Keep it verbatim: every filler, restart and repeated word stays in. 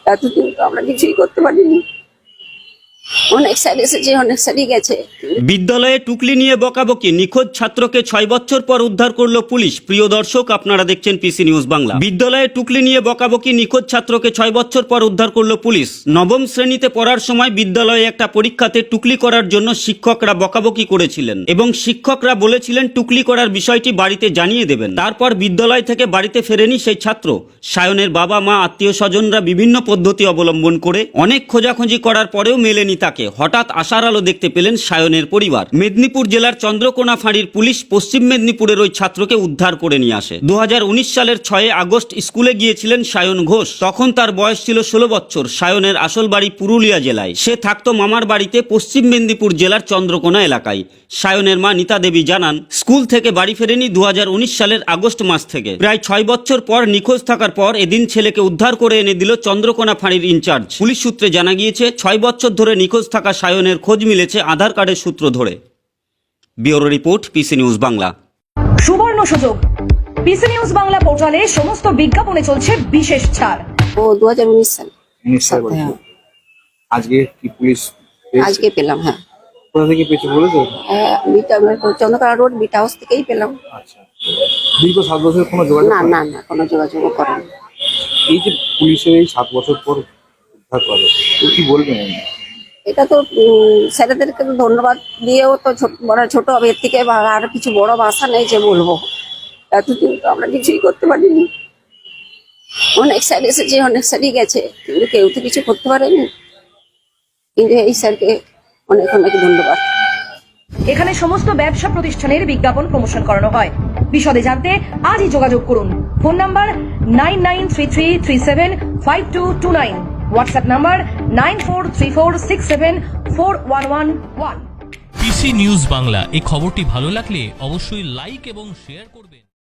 এতদিন তো আমরা কিছুই করতে পারিনি, অনেক স্যার এসেছে, অনেক স্যারই গেছে। বিদ্যালয়ে টুকলি নিয়ে বকাবকি, নিখোঁজ ছাত্রকে ছয় বছর পর উদ্ধার করলো পুলিশ। প্রিয় দর্শক, আপনারা দেখছেন পিসি নিউজ বাংলা। বিদ্যালয়ে টুকলি নিয়ে বকাবকি, নিখোঁজ ছাত্রকে ছয় বছর পর উদ্ধার করলো পুলিশ। নবম শ্রেণীতে পড়ার সময় বিদ্যালয়ে একটা পরীক্ষাতে টুকলি করার জন্য শিক্ষকরা বকাবকি করেছিলেন এবং শিক্ষকরা বলেছিলেন টুকলি করার বিষয়টি বাড়িতে জানিয়ে দেবেন। তারপর বিদ্যালয় থেকে বাড়িতে ফেরেনি সেই ছাত্র। সায়নের বাবা মা আত্মীয় স্বজনরা বিভিন্ন পদ্ধতি অবলম্বন করে অনেক খোঁজাখুঁজি করার পরেও মেলেনি তাকে। হঠাৎ আশার আলো দেখতে পেলেন সায়নের পরিবার। মেদিনীপুর জেলার চন্দ্রকোনা ফাঁড়ির পুলিশ পশ্চিম মেদিনীপুরের ওই ছাত্রকে উদ্ধার করে নিয়ে আসে। দু হাজার উনিশ সালের ছয় আগস্ট স্কুলে গিয়েছিলেন সায়ন ঘোষ। তখন তার বয়স ছিল ষোলো বছর। সায়নের আসল বাড়ি পুরুলিয়া জেলায়। সে থাকতো মামার বাড়িতে পশ্চিম মেদিনীপুর জেলার চন্দ্রকোনা এলাকায়। সায়নের মা নিতা দেবী জানান, স্কুল থেকে বাড়ি ফেরেনি দু হাজার উনিশ সালের আগস্ট মাস থেকে। প্রায় ছয় বছর পর নিখোঁজ থাকার পর এদিন ছেলেকে উদ্ধার করে এনে দিল চন্দ্রকোনা ফাঁড়ির ইনচার্জ। পুলিশ সূত্রে জানা গিয়েছে, ছয় বছর ধরে নিখোঁজ থাকা সায়নের খোঁজ মিলেছে আধার কার্ডের সূত্র ধরে। Bureau report, PC news Bangla. সুবর্ণ সুযোগ, পিসি নিউজ বাংলা পোর্টালে সমস্ত বিজ্ঞাপনে চলছে বিশেষ ছাড়। ও দু হাজার উনিশ সাল উনিশ সাল বলছো। হ্যাঁ। আজকে কি পুলিশ পেয়েছে? আজকে পেলাম। হ্যাঁ, কোথা থেকে পেয়েছে বলেছো? হ্যাঁ, beta Chandrakona Road beta house থেকেই পেলাম। আচ্ছা, দীর্ঘ সাত বছর কোনো যোগাযোগ না করেনি? না না কোনো যোগাযোগও করেনি। এই যে পুলিশের এই সাত বছর পর উদ্ধার করে, তো কি বলবেন? এটা তো উম, স্যারেদেরকে তো ধন্যবাদ দিয়েও তো ছোট বড় ছোট হবে, এর থেকে বা- আর কিছু বড় ভাষা নেই যে বলবো। এতদিন তো আমরা কিছুই করতে পারিনি, অনেক স্যার এসেছে, অনেক স্যারই গেছে, কিন্তু কেউ তো কিছু করতে পারেনি। কিন্তু এই স্যারকে অনেক অনেক ধন্যবাদ। এখানে সমস্ত ব্যবসা প্রতিষ্ঠানের বিজ্ঞাপন প্রমোশন করানো হয়। বিশদে জানতে আজই যোগাযোগ করুন। Phone number nine nine three three three seven five two two nine, WhatsApp number nine four three four six seven four one one one. PC news Bangla, এই খবরটি ভালো লাগলে অবশ্যই লাইক এবং শেয়ার করবেন।